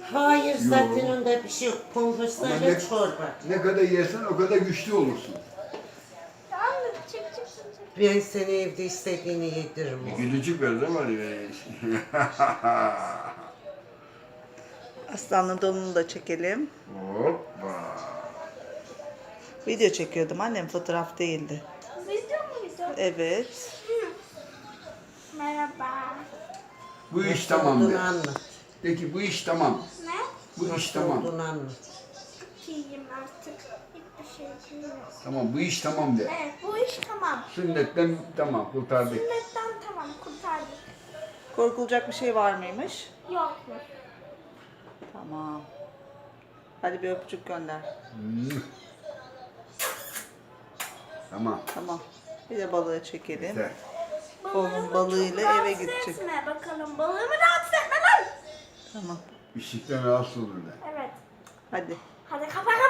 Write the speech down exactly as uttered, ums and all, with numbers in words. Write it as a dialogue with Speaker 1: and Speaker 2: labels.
Speaker 1: Hayır zaten
Speaker 2: Yo.
Speaker 1: onda bir şey yok.
Speaker 2: Ama
Speaker 1: Konfesörle
Speaker 2: ne,
Speaker 1: çorba.
Speaker 2: ne kadar yersen o kadar güçlü olursun.
Speaker 3: Tamam mı? Çek çek çek. çek.
Speaker 1: Ben seni evde istediğini yediririm oğlum.
Speaker 2: Gülücük verdim var ya.
Speaker 4: Aslanlı donunu da çekelim.
Speaker 2: Hoppa.
Speaker 4: Video çekiyordum annem, fotoğraf değildi.
Speaker 3: Video muydu?
Speaker 4: Evet.
Speaker 3: Merhaba.
Speaker 2: Bu iş
Speaker 1: Nasıl
Speaker 2: tamam
Speaker 1: olduğunu
Speaker 2: de.
Speaker 1: anlat.
Speaker 2: Peki bu iş tamam.
Speaker 3: Ne?
Speaker 2: Bu iş
Speaker 1: Nasıl
Speaker 2: tamam.
Speaker 1: olduğunu anlat.
Speaker 3: İyiyim artık. Hiçbir şey bilmiyorum.
Speaker 2: Tamam bu iş tamam de.
Speaker 3: Evet bu iş tamam.
Speaker 2: Sünnetten tamam kurtardık.
Speaker 3: Sünnetten tamam kurtardık.
Speaker 4: Korkulacak bir şey var mıymış?
Speaker 3: Yok mu?
Speaker 4: Tamam. Hadi bir öpücük gönder.
Speaker 2: Hmm. Tamam.
Speaker 4: Tamam. Bir de balığı çekelim.
Speaker 2: Yeter.
Speaker 4: Oğlum balığıyla
Speaker 3: çok
Speaker 4: eve
Speaker 3: rahatsız
Speaker 4: gidecek.
Speaker 3: Etme bakalım balığımı rahatsız etme lan.
Speaker 4: Tamam.
Speaker 2: Işıktan rahatsız olurlar.
Speaker 3: Evet.
Speaker 4: Hadi.
Speaker 3: Hadi kapat.